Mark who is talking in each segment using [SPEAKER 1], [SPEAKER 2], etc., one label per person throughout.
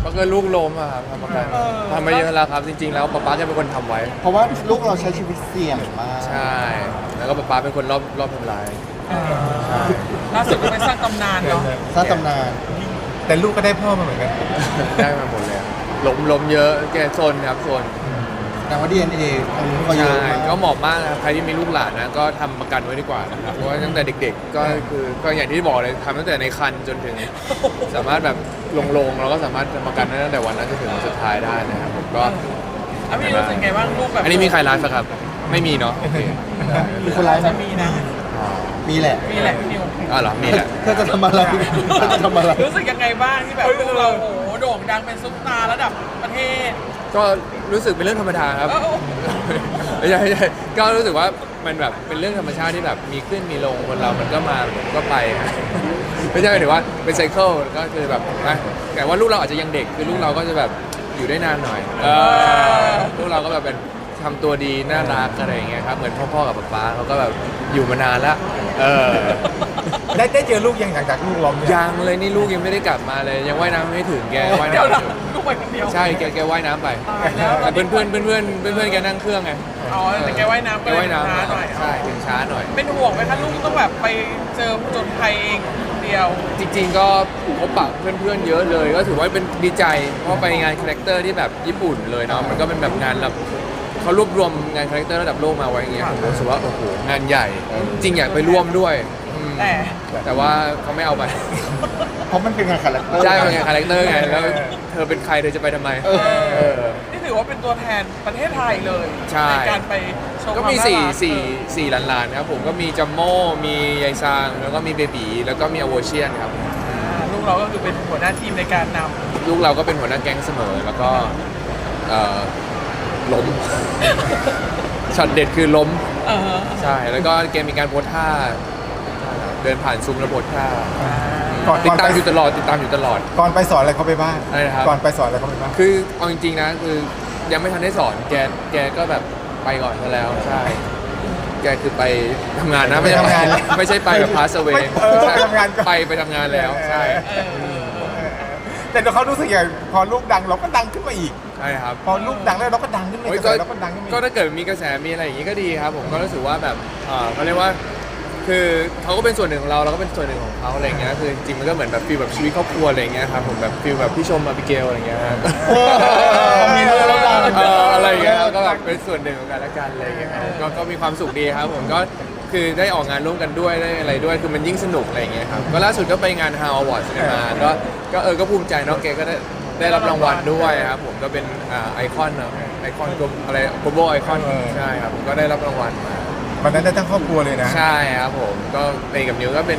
[SPEAKER 1] ก็ลูกล้มอะครับทำประกันทำมาเยอะแล้วครับจริงๆแล้วป๊าแกเป็นคนทำไว้
[SPEAKER 2] เพราะว่าลูกเราใช้ชีวิตเสี่ยงมาก
[SPEAKER 1] ใช่แล้วก็ป๊าเป็นคนรอบทำลายใช่
[SPEAKER 3] ล่าสุดก็ไปสร้างตำนานเนาะ
[SPEAKER 2] สร้างตำนาน
[SPEAKER 4] แต่ลูกก็ได้พ่อมาเหมือนกัน
[SPEAKER 1] ได้มาหมดเลยล้มเยอะแกโซนครับโซน
[SPEAKER 2] แต่ว่า DNA อันนี้ก็เย
[SPEAKER 1] ใช่
[SPEAKER 2] อะมาก
[SPEAKER 1] ก็เหมาะมากนะใครที่มีลูกหลานนะก็ทำประกันไว้ดีกว่านะครับเพราะว่าตั้งแต่เด็กๆก็คือก็อย่างที่บอกเลยทำตั้งแต่ในครรภ์จนถึง สามารถแบบลงเราก็สามารถทำประกันได้ตั้งแต่วันนั้นจนถึงวันสุดท้ายได้นะครับผมก็
[SPEAKER 3] พี่รู้สึกไงบ้างลูกแบบ
[SPEAKER 1] อันนี้มีใครไลฟ์ไหมครับไม่มีเนาะโอเค
[SPEAKER 2] มีคนไลฟ์ไหม
[SPEAKER 3] จะมีนะ
[SPEAKER 1] อ๋อ
[SPEAKER 2] มีแหละ
[SPEAKER 3] มีแหละพี่นิว
[SPEAKER 1] อ๋อเหรอมีแหละ
[SPEAKER 2] เธอจะทำอะไรเธอจะทำอะไร
[SPEAKER 3] รู้สึกยังไงบ้างที่แบบลูกเราโอ้โหโด่งดังเป็นซุปตาร์ระดับประเทศ
[SPEAKER 1] ก็รู้สึกเป็นเรื่องธรรมดาครับ
[SPEAKER 3] เอ้า
[SPEAKER 1] ไม่ใช่ก็รู้สึกว่ามันแบบเป็นเรื่องธรรมชาติที่แบบมีขึ้นมีลงคนเรามันก็มามันก็ไปฮะไม่ใช่หมายถึงว่าเป็นไซเคิลก็คือแบบนะแต่ว่าลูกเราอาจจะยังเด็กคือลูกเราก็จะแบบอยู่ได้นานหน่อยลูกเราก็แบบเป็นทำตัวดีน่ารักอะไรอย่างเงี้ยครับเหมือนพ่อๆกับป๊าเขาก็แบบอยู่มานานแล้ว
[SPEAKER 4] ได้เจอลูกยังหลังจากลูกล้มเนี่ย
[SPEAKER 1] ยังเลยนี่ลูกยังไม่ได้กลับมาเลยยังว่ายน้ำไม่ถึงแกว่าย
[SPEAKER 3] เดี๋ยว
[SPEAKER 1] น้ำ
[SPEAKER 3] นะลูกไปคนเดียว
[SPEAKER 1] ใช่แกว่ายน้ำไป
[SPEAKER 3] ตายแล้ว
[SPEAKER 1] แต่เพื่อนแกนั่งเครื่องไง
[SPEAKER 3] อ๋อแต่แกว่ายน้ำ
[SPEAKER 1] แก
[SPEAKER 3] ก็เลย
[SPEAKER 1] ว่ายน้ำ
[SPEAKER 3] ช้าหน่อย
[SPEAKER 1] ใช่ถึงช้าหน่อย
[SPEAKER 3] เป็นห่วงไหมคะลูกต้องแบบไปเจอผจญภัยเองคนเดียว
[SPEAKER 1] จริงๆก็พบปะเพื่อนๆเยอะเลย ก็ถือว่าเป็นดีใจเพราะไปงานคาแรคเตอร์ที่แบบญี่ปุ่นเลยเนาะมันก็เป็นแบบงานแบบเขารวบรวมงานคาแรคเตอร์ระดับโลกมาไว้อย่างเงี้ยผมรู้สึกว่าโอ้โหงานใหญ่จริงอยากไปร่วมด้วยอืมแต่ว่าเขาไม่เอาไป
[SPEAKER 2] เพราะมันเป็นงานคาแรคเตอร์
[SPEAKER 1] ใช่เป็นงานคาแรคเตอร์ไงแล้วเธอเป็นใครเธอจะไปทำไม
[SPEAKER 3] นี่ถือว่าเป็นตัวแทนประเทศไทยเลย
[SPEAKER 1] ใช่
[SPEAKER 3] การไปโชว์
[SPEAKER 1] ก็มีสี่หลานๆครับผมก็มีจัมโม่มียายซางแล้วก็มีเบบีแล้วก็มีอโวเชียนครับ
[SPEAKER 3] ลูกเราก็คือเป็นหัวหน้าทีมในการน
[SPEAKER 1] ลูกเราก็เป็นหัวหน้าแก๊งเสมอแล้วก็ล้ม ช็อตเด็ดคือล้ม
[SPEAKER 3] ำ
[SPEAKER 1] ใช่แล้วก็เกมมีการโพสท่าเดินผ่านซุ้มแล้วโพสท่า
[SPEAKER 4] ก่อน
[SPEAKER 1] ติดตาม
[SPEAKER 4] ไป
[SPEAKER 1] อยู่ตลอด
[SPEAKER 4] ก่อนไปสอนอะไรเขาไปบ้าง
[SPEAKER 1] อะไรนะครับ
[SPEAKER 4] ก่อนไปสอนอะไรเขาไปบ้าง
[SPEAKER 1] คือเอาจริงๆนะคือยังไม่ทันได้สอนแกก็แบบไปก่อนซะแล้วใช่ แกคือไปทำงานนะไม่ใช่ไม่ใช่ไปแบบพาสเวย์
[SPEAKER 4] ไปทำงานก่อน
[SPEAKER 1] ไปทำงานแล้วใช่
[SPEAKER 4] แต่เขารู้สึกอย่างพอลูกดังเราก็ดังขึ้นมาอีก
[SPEAKER 1] ใช่ครับ
[SPEAKER 4] พอลูกดังแล้วเราก็ดังขึ้นมา
[SPEAKER 1] โอ้
[SPEAKER 4] อี
[SPEAKER 1] ย
[SPEAKER 4] กเราก็ดังขึ้นมา
[SPEAKER 1] ก็
[SPEAKER 4] อีก
[SPEAKER 1] ถ้าเกิดมีกระแสมีอะไรอย่างงี้ก็ดีครับผมก็รู้สึกว่าแบบเขาเรียกว่าคือเขาก็เป็นส่วนหนึ่งของเราเราก็เป็นส่วนหนึ่งของเขาอะไรเงี้ยคือจริงๆมันก็เหมือนแบบฟีลแบบชีวิตครอบครัวอะไรเงี้ยครับผมแบบฟีลแบบพี่ชมอาบิเกลอะไรเงี้ยฮะ
[SPEAKER 2] มีเรื่องแล้วดัง
[SPEAKER 1] อะไรเงี้ยก็แบบเป็นส่วนหนึ่งของกันและกันอะไรเงี้ยครับก็มีความสุขดีครับผมก็คือได้ออกงานร่วมกันด้วยได้อะไรด้วยคือมันยิ่งสนุกอะไรเงี้ยครับก็ล่าสุดก็ไปงาน How Awards มาก็ภูมิใจเนาะแกก็ได้รับรางวัลด้วยครับผมก็เป็นไอคอนเนาะไอคอนกลมอะไร global ไอคอนใช่ครับผมก็ได้รับรางวัลมา
[SPEAKER 4] วันนั้นได้ทั้งครอบครัวเลยนะ
[SPEAKER 1] ใช่ครับผมก็ไปกับนิวก็เป็น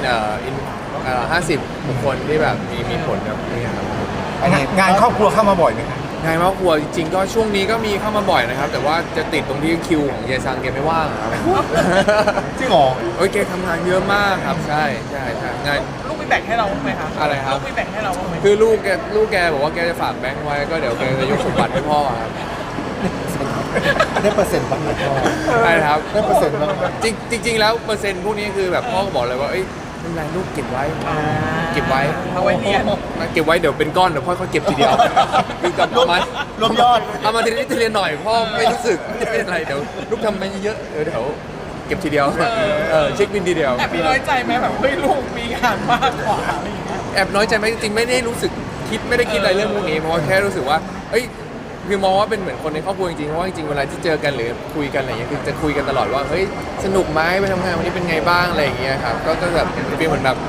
[SPEAKER 1] 50 บุคคลที่แบบมีผลกับนี่ครับ
[SPEAKER 4] งานครอบครัวเข้ามาบ่อยไหมครับ
[SPEAKER 1] งานครอบครัวจริงๆก็ช่วงนี้ก็มีเข้ามาบ่อยนะครับ แต่ว่าจะติดตรงที่คิวของเยซังแกไม่ว่างครับ
[SPEAKER 2] จริงเหรอ
[SPEAKER 1] โอ้ยแกทำงานเยอะมากครับใช่งาน
[SPEAKER 3] ลูกมีแบ่งให้เราบ้างไหมคะ
[SPEAKER 1] อะไรครับ
[SPEAKER 3] ลูกมีแบ่งให้เราบ้างไหม
[SPEAKER 1] คือลูกแกบอกว่าแกจะฝากแบงค์ไว้ก็เดี๋ยวแกจะยกสมบัติให้พ่อครับ
[SPEAKER 2] ได้เปอร์เซ็นต์บ้างไหมพ่อ
[SPEAKER 1] ใช่ครับ
[SPEAKER 2] ได้เปอร์เซ็นต์บ้างไหม
[SPEAKER 1] จริงๆแล้วเปอร์เซ็นต์พวกนี้คือแบบพ่อก็บอกเลยว่าเอ้ยไม่เป็นไรลูกเก็บไว้ เก็บไว้
[SPEAKER 3] เอาไว้เรียน
[SPEAKER 1] เก็บไว้เดี๋ยวเป็นก้อนเดี๋ยวพ่อเขาเก็บทีเดียวคือกับประมาณ
[SPEAKER 2] รวมยอด
[SPEAKER 1] เอามาทีละนิดทีละหน่อยพ่อไม่รู้สึกไม่เป็นไรเดี๋ยวลูกทำไปเยอะๆเดี๋ยวเก็บทีเดียวเช็คบินทีเดียว
[SPEAKER 3] แอบมีน้อยใจไหมแบบเฮ้ยลูกมีงานมากกว่าอะไรอย่างเงี้ย
[SPEAKER 1] แอบน้อยใจไหมจริงๆไม่ได้รู้สึกไม่ได้คิดอะไรเรื่องพวกนี้เพราะว่าแค่รู้สึกว่าเอ้ยคือมองว่าเป็นเหมือนคนในครอบครัวจริงๆเพราะว่าจริงๆเวลาที่เจอกันหรือคุยกันอะไรอย่างเงี้ยคือจะคุยกันตลอดว่าเฮ้ยสนุกไหมไปทำงานวันนี้เป็นไงบ้างอะไรอย่างเงี้ยครับก็แบบเป็นเหมือนแบบ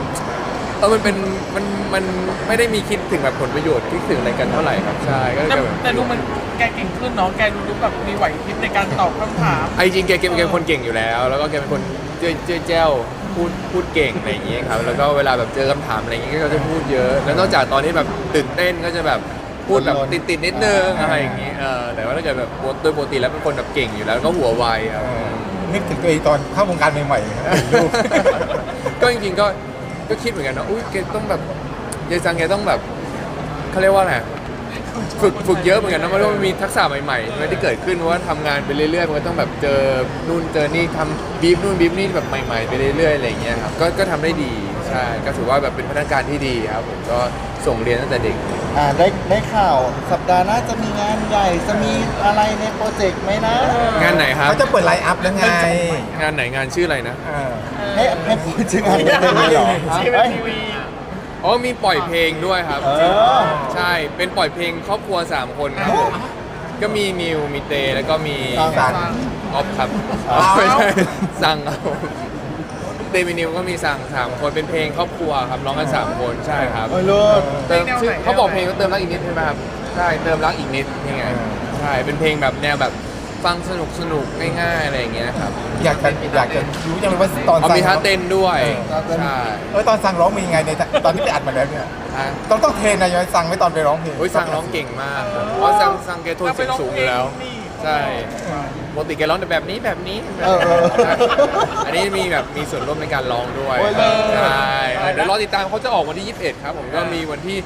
[SPEAKER 1] มันไม่ได้มีคิดถึงแบบผลประโยชน์คิดถึงอะไรกันเท่าไหร่ครับใช่ก็
[SPEAKER 3] แต่ดูมันแกเก่งขึ้นเนาะแกดูแบบมีไหวพริบในการตอบคำถาม
[SPEAKER 1] ไอ้จริงแกเป็นคนเก่งอยู่แล้ว แล้วก็แกเป็นคนเจ้าพูดเก่งอะไรอย่างเงี้ยครับแล้วก็เวลาแบบเจอคำถามอะไรอย่างเงี้ยก็จะพูดเยอะ แล้วนอกจากตอนที่แบบตื่นเต้นก็จะแบบพูดแบบติดนิดนึงอะไรอย่างเงี้ยแต่ว่าถ้าเกิดแบบโดยปกติแล้วเป็นคนแบบเก่งอยู่แล้วแล้วก็หัวไวครับ
[SPEAKER 4] นึกถึงตัวเองตอนเข้าวงการใหม่ๆนะครับเป็นลูก
[SPEAKER 1] ก็จริงๆก็คิดเหมือนกันนะอุ้ยแกต้องแบบยายซังแกต้องแบบเขาเรียกว่าไงฝึกเยอะเหมือนกันนะเพราะว่ามันมีทักษะใหม่ๆที่เกิดขึ้นเพราะว่าทำงานไปเรื่อยๆมันก็ต้องแบบเจอนู่นเจอนี่ทำบีฟนู่นบีฟนี่แบบใหม่ๆไปเรื่อยๆอะไรอย่างเงี้ยครับก็ทำได้ดีใช่ใช่ก็ถือว่าแบบเป็นพนักงานที่ดีครับผมก็ส่งเรียนตั้งแต่เด็ก
[SPEAKER 2] ได้ข่าวสัปดาห์หน้าจะมีงานใหญ่จะมีอะไรในโปรเจกต์ไหมนะ
[SPEAKER 1] งานไหนครับ
[SPEAKER 4] เขาจะเปิดไลน์อัพแล้วไง
[SPEAKER 1] งานไหนงานชื่ออะไรนะ
[SPEAKER 4] เออ
[SPEAKER 2] ให้พูดชื่องานได้เลยเหรอ
[SPEAKER 3] ชีวิต
[SPEAKER 2] เอ้ย
[SPEAKER 3] ทีวี
[SPEAKER 1] อ๋อมีปล่อยเพลงด้วยครับ
[SPEAKER 2] เออ
[SPEAKER 1] ใช่เป็นปล่อยเพลงครอบครัว3คนครับผมก็มีนิวมีเตแล้วก็มี
[SPEAKER 2] สั่ง
[SPEAKER 1] ออฟครับ
[SPEAKER 2] อ้าว
[SPEAKER 1] ไม่ใช่สั่งครับผมเตมีนิวก็มีสั่ง3คนเป็นเพลงครอบครัวครับร้องกัน3คนใช่ครับ
[SPEAKER 2] โอ้ยเลิศ
[SPEAKER 1] เติมชื่อเขาบอกเพลงก็เติมรักอีกนิดใช่ไหมครับใช่เติมรักอีกนิดนี่ไงใช่เป็นเพลงแบบแนวแบบฟังสนุกง่ายๆอะไรอย่างเงี้ยครับ
[SPEAKER 4] อยากจะรู้จังเลยว่าตอน
[SPEAKER 1] เอา
[SPEAKER 4] สั่ง
[SPEAKER 1] มีท่าเต้นด้วย ใช่
[SPEAKER 4] ตอนสั่งร้องมียังไงในตอนที่ไปอัดมาแล้วเนี่ย
[SPEAKER 1] ฮะ
[SPEAKER 4] ต้องเทรนนายอยสั่งไว้ตอนไปร้องเพลง
[SPEAKER 1] โอ้ยสั่งร้องเก่งมากครับเพราะว่าสั่งแกโทนเสียงสูงอยู่แล้ว ใช่ปกติแกร้องแต่แบบนี้แบบนี้
[SPEAKER 2] เออ
[SPEAKER 1] อันนี้มีแบบมีส่วนร่วมในการร้องด้วย
[SPEAKER 2] โอ้ยเลิศ
[SPEAKER 1] ใช่เดี๋ยวรอติดตามเขาจะออกวันที่ 21 ครับผมก็มีวันที่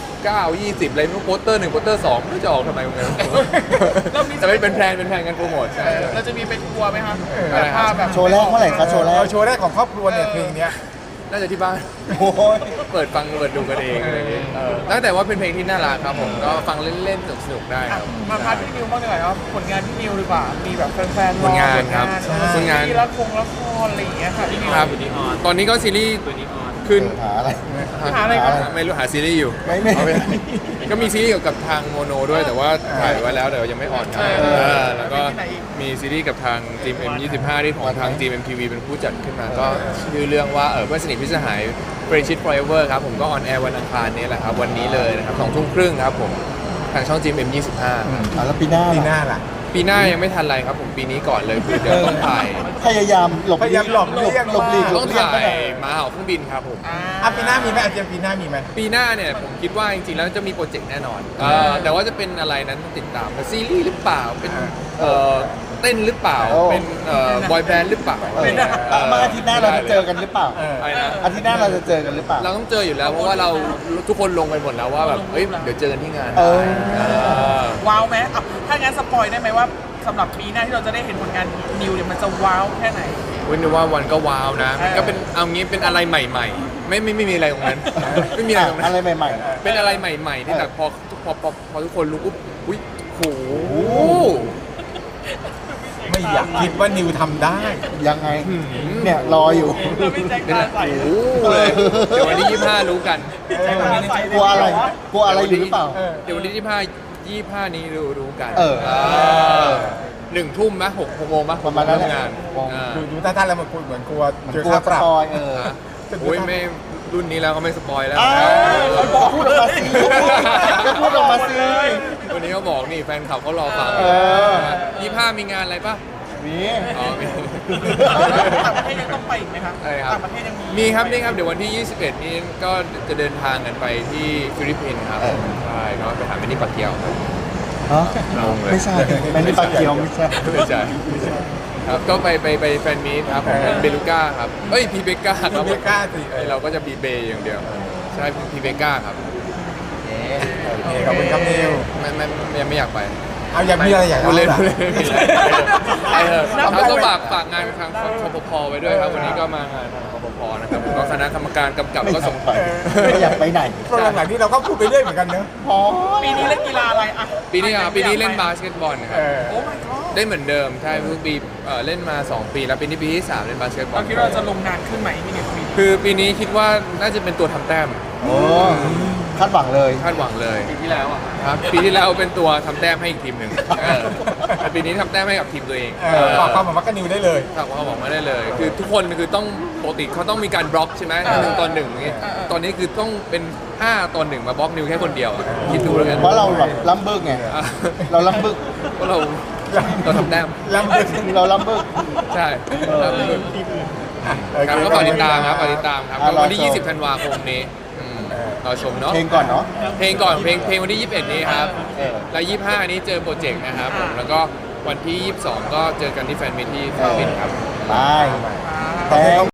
[SPEAKER 1] 19 20อะไรไม่รู้โปสเตอร์1โปสเตอร์2ไม่รู้จะออกทำไมเหมือนกันแต่ไม่เป็นแพลนการโปรโมทใช่
[SPEAKER 3] เราจะมีไปทัวร์ไหมครับ
[SPEAKER 1] อะไรครับ
[SPEAKER 3] ภาพแบบ
[SPEAKER 2] โชว์แรกเมื่อไหร่คะโชว์แรก
[SPEAKER 4] โชว์แรกของครอบครัวเนี่ยเพลงเนี้ย
[SPEAKER 1] น่าจะที่บ้าน
[SPEAKER 2] โอ้ย
[SPEAKER 1] เปิดฟังเปิดดูกันเองอะไรอย่างเงี้ยตั้งแต่ว่าเป็นเพลงที่น่ารักครับผมก็ฟังเล่นๆสนุกๆได้ครับ
[SPEAKER 3] มาพาร์ทพี่นิวบ้างดีกว่าครับผลงานพี่นิวดีกว่ามีแบบแฟนๆรอ
[SPEAKER 1] ผลงานครับผลงาน
[SPEAKER 3] มีละครอะไรอย่างเงี้ยค่ะพี่นิว
[SPEAKER 1] ครับตอนนี้ก็ซีรีส์ขึ้น
[SPEAKER 2] หาอะไร
[SPEAKER 3] หาอะไรครับ
[SPEAKER 1] ไม่รู้หาซีรีส์อยู่
[SPEAKER 2] ไม่
[SPEAKER 1] เอาปก็มีซีรีส์เกี่ยวกับทางโมโนด้วยแต่ว่าถ่ายไว้แล้วแต่ว่ายังไม่ออนครับแล้วก็มีซีรีส์กับทางจีม M25 ที่ของทางจีม MTV เป็นผู้จัดขึ้นมาก็ชื่อเรื่องว่าเพื่อนสนิทพิษสหาย Friendship Forever ครับผมก็ออนแอร์วันอังคารนี้แหละครับวันนี้เลยนะครับ20:30ครับผมทางช่องจีม M25 ครับ
[SPEAKER 2] แล้วปีหน้า
[SPEAKER 4] ปีห
[SPEAKER 2] ล่ะ
[SPEAKER 4] น้าล่ะ
[SPEAKER 1] ปีหน้ายังไม่ทันไรครับผมปีนี้ก่อนเลยคือเดี๋ยวต้องถ่าย
[SPEAKER 2] พยายามหลบ
[SPEAKER 4] พยายามหลบเลี่ยง
[SPEAKER 2] หลบหลีกหล
[SPEAKER 1] ต้อบ ง
[SPEAKER 2] เลี่ยง
[SPEAKER 1] ถ่า
[SPEAKER 2] ไป
[SPEAKER 1] ยม้าเห่าเครื่องบินครับผม
[SPEAKER 4] ปีหน้ามีไหมอาจารย์ปีหน้ามีไหม
[SPEAKER 1] ปีหน้าเนี่ยผมคิดว่าจริงๆแล้วจะมีโปรเจกต์แน่นอนแต่ว่าจะเป็นอะไรนั้นต้องติดตามเป็นซีรีส์หรือเปล่าเป็นเต้นหรือเปล่าเป็นบอยแบนด์หรือเปล่า
[SPEAKER 2] มาอาทิตย์หน้าเราจะเจอกันหรือเปล่า
[SPEAKER 1] อะไรนะ
[SPEAKER 2] อาทิตย์หน้าเราจะเจอกันหรือเปล่า
[SPEAKER 1] เราต้องเจออยู่แล้วเพราะว่าเราทุกคนลงไปหมดแล้วว่าแบบเฮ้ยเดี๋ยวเจอกันที่งาน
[SPEAKER 2] เออ
[SPEAKER 3] ว้าวไหมอ่ะถ้างั้นสปอยได้ไหมว่าสำหรับปีหน้าที่เราจะได้เห็นผลงานนิวเนี่ยมันจะว้าวแค่ไหน
[SPEAKER 1] วินว่าวันก็ว้าวนะมันก็เป็นเอางี้เป็นอะไรใหม่ๆ ไม่มีอะไรตรงนั้นไม่มีอะไรตรงนั้น
[SPEAKER 2] อะไรใหม่
[SPEAKER 1] เป็นอะไรใหม่ๆที่แบบพอทุกคนรู้ปุ๊บอุ้ยโห
[SPEAKER 4] ไม่อยากคิดว่านิวทำได้
[SPEAKER 2] ๆ ยังไง เนี่ยรออยู่
[SPEAKER 3] เราพี่แจ็ค
[SPEAKER 1] เป็น
[SPEAKER 3] ตา
[SPEAKER 1] แบบ
[SPEAKER 3] ใส
[SPEAKER 1] โอ้โหเลยเดี๋ยววันที่25รู้กัน
[SPEAKER 2] กลัวอะไร กลัวอะไรอยู่หรือเปล่า
[SPEAKER 1] เดี๋ยววันที่25นี้รู้กัน
[SPEAKER 2] เออ
[SPEAKER 1] 1 ทุ่มไหม6 โมงไหม
[SPEAKER 2] ประมาณนั้นแหละ
[SPEAKER 1] งาน
[SPEAKER 4] ดูท่าแล้วมันเหมือนกลัวเจอก
[SPEAKER 2] ลัว
[SPEAKER 4] ค่า
[SPEAKER 2] ส
[SPEAKER 4] ปรับ
[SPEAKER 2] ปอย
[SPEAKER 1] โอ้ยไม่รุ่นนี้แล้วก็ไม่สปอยแล้ว
[SPEAKER 2] พูดออกมาสิก็พูดออกมาสิ
[SPEAKER 1] วันนี้เขาบอกนี่แฟนคลับเขารอฟัง
[SPEAKER 2] เออ
[SPEAKER 1] 25มีงานอะไรป่ะ
[SPEAKER 2] มี
[SPEAKER 1] อ๋อมี
[SPEAKER 3] ต่างประเทศยังต้องไปอีกไหมครับ
[SPEAKER 1] อะไรครับ
[SPEAKER 3] ต่างประเทศยังมี
[SPEAKER 1] มีครับนี่ครับเดี๋ยววันที่ 21 นี้ก็จะเดินทางกันไปที่ฟิลิปปินส์ครับใช่ก็ไปหาเมนี่ปักเกียวครับ
[SPEAKER 2] ฮะ
[SPEAKER 1] งงเลย
[SPEAKER 2] ไม่ใช่ไม่ได้ปากเกียวไม่ใช่
[SPEAKER 1] ไม่ใช่ครับก็ไปแฟนมีตครับของเบลูก้าครับเอ้ยพีเบก้าครับ
[SPEAKER 4] ไม่กล้าสิ
[SPEAKER 1] เราก็จะบีเบย์อย่างเดียวใช่พีเบก้าครับ
[SPEAKER 4] ขอบคุณครับนิว
[SPEAKER 1] ไม่อยากไป
[SPEAKER 4] เอาอยากมีอะไรอยาก
[SPEAKER 1] พูดเล่น
[SPEAKER 4] ล่ะ
[SPEAKER 1] พูดเล่นแล้วก็ฝากงานไปทางคอปพไว้ด้วยครับวันนี้ก็มางานทางคอปพนะครับก็คณะกรรมการกำกับก็ส่ง
[SPEAKER 2] ไปไม่อยากไปไหน
[SPEAKER 4] เพราะหลังๆนี้เราก็พูดไปเรื่อยเหมือนกันเนอะ
[SPEAKER 2] พอ
[SPEAKER 3] ปีนี้เล่นกีฬาอะไรอ่ะ
[SPEAKER 1] ปีนี้เล่นบาสเกตบอลค
[SPEAKER 4] เอ
[SPEAKER 1] รับ
[SPEAKER 4] อ
[SPEAKER 3] โอ้ my god
[SPEAKER 1] ได้เหมือนเดิมใช่ทุกปีเล่นมา 2 ปีแล้วปีนี้ปีที่ 3 เล่นบาสเกตบอ
[SPEAKER 3] เรา
[SPEAKER 1] ล
[SPEAKER 3] คิดว่าเราจะลงนานขึ้นไหมพี่นิวปีนี้
[SPEAKER 1] คือปีนี้คิดว่าน่าจะเป็นตัวทำแต้ม
[SPEAKER 2] โอ้คาดหวังเลย
[SPEAKER 1] คาดหวังเลย
[SPEAKER 3] ปีที่แล้วอ่ะ
[SPEAKER 1] ครับปีที่แล้วเป็นตัวทำแต้มให้อีกทีมหนึ่งแต่ปีนี้ทำแต้มให้กับทีมตัวเอง
[SPEAKER 4] บอกความหวังว่ากับนิวได้เลย
[SPEAKER 1] ฝากความหวังมาได้เลย คือทุกคนคือต้องปกติเขาต้องมีการบล็อกใช่ไหม1 ต่อ 1อย่างงี้ตอนนี้คือต้องเป็น5 ต่อ 1มาบล็อกนิวแค่คนเดียวอะคิดดูแล้วกัน
[SPEAKER 2] เพราะเราแบบล้ำบึกไง เราล้ำบึก
[SPEAKER 1] เพราะเราทำแต้ม
[SPEAKER 4] ลำบึก
[SPEAKER 2] เราล้ำบึก
[SPEAKER 1] ใช่ครับครับก็ฝากติดตามครับฝากติดตามครับก็วันที่ 20 ธันวาคมนี้เราชมเนาะ
[SPEAKER 2] เพลงก่อนเนาะ
[SPEAKER 1] เพลงก่อนเพลงวันที่ 21 นี้ครับ
[SPEAKER 2] เออ
[SPEAKER 1] แล้ว 25 นี้เจอโปรเจกต์นะครับผมแล้วก็วันที่ 22 ก็เจอกันที่แฟนมิตที่ฟิลิปปินส์ครับ
[SPEAKER 2] ไปแต่